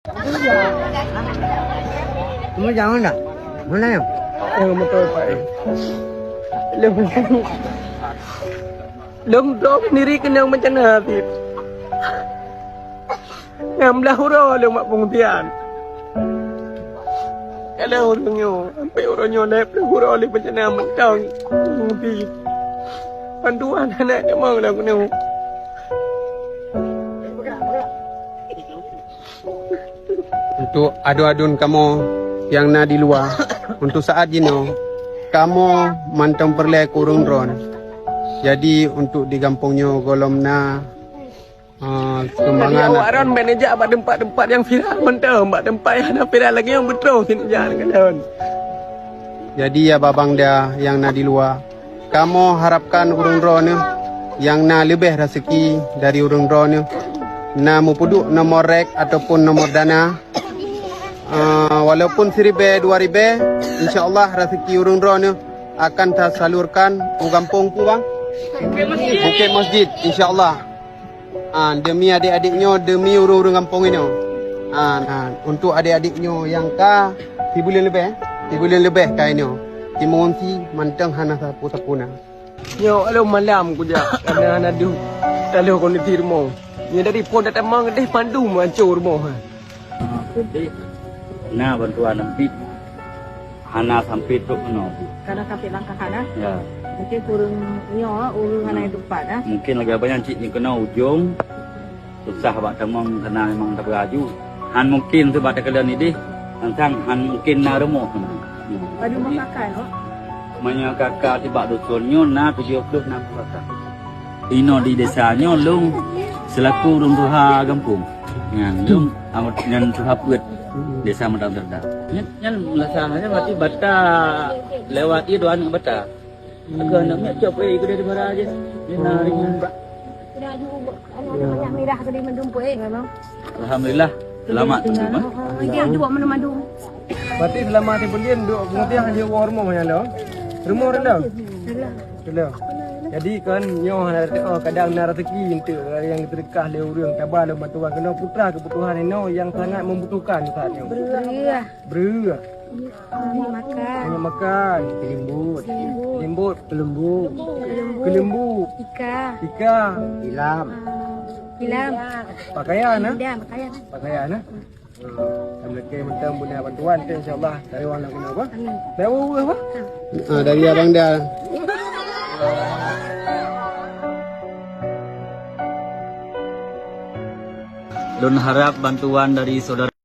Kamu jangan tak? Mana ya? Oh, betul Pak. Long dog sendiri kena macam mana Habib? Yang belah hurau long mak pengutian. Kalau orangnya, sampai orangnya naik belah hurau le macam mana mentang penguti. Panduan anak dia mau lah kena. Untuk adu-adun kamu yang na di luar, untuk saat ini kamu mantang perlai kurung drone. Jadi untuk di kampungnya golom na kembangan. Jadi awak manager abad tempat-tempat yang viral mantau, abad tempat yang ada viral lagi yang betul sini jangan kan. Jadi ya babang dia yang na di luar, kamu harapkan urung drone yang na lebih rezeki dari urung drone, na mupuduk nomor rek ataupun nomor dana. Walaupun 1,000, 2,000, insyaAllah rezeki urung drone akan tersalurkan ke kampung pu bang. Bukit Masjid, insyaAllah. Demi adik-adiknya, demi urung-urung kampung ini. Untuk adik-adiknya yang ka 3 bulan lebih, 3 bulan lebih ka ini. Timongsi mantang hana sapu-sapu na. Yo, alo malam ku ja, karena hana du. Talo kondisi rumah. Ni dari pon datang mang deh pandu mancur rumah. Nah bantuan nanti hana sampai tu no. Karena sampai langkah kanan. Ya. Mungkin kurang nyo urung hana itu pada. Mungkin lagi banyak cik ni kena ujung. Susah bak temang kena memang tak beraju. Han mungkin tu pada kalian ini tentang han mungkin na rumah. Padu makan oh. Manya kakak tiba dusunnya na 76 kakak. Ino di desanya lung selaku urung tuha kampung. Ngan lung amat ngan tuha puet desa Madang Terdak. Nyan melaksanakannya berarti bata lewati doan bata. Agak naknya coba ikut dari mana aja. Lina ringan. Sudah ada banyak merah tadi mendumpuk memang. Alhamdulillah selamat. Dia dua menu-menu. Berarti selama 3 bulan duk pengertian dia rumah macam lo. Rumah rendah. Rendah. Jadi kan nyo kadang na rezeki untuk yang terdekat le urang tabah le bantuan kena putra kebutuhan ini yang sangat membutuhkan saat ni. Beruah. Hanya makan, limbut, kelembu, ika, Hilam. pakaian Pakaian. Sampai mentang punya bantuan tu insya-Allah dari orang nak guna apa? Dari apa? Dari abang dia. Don harap bantuan dari saudara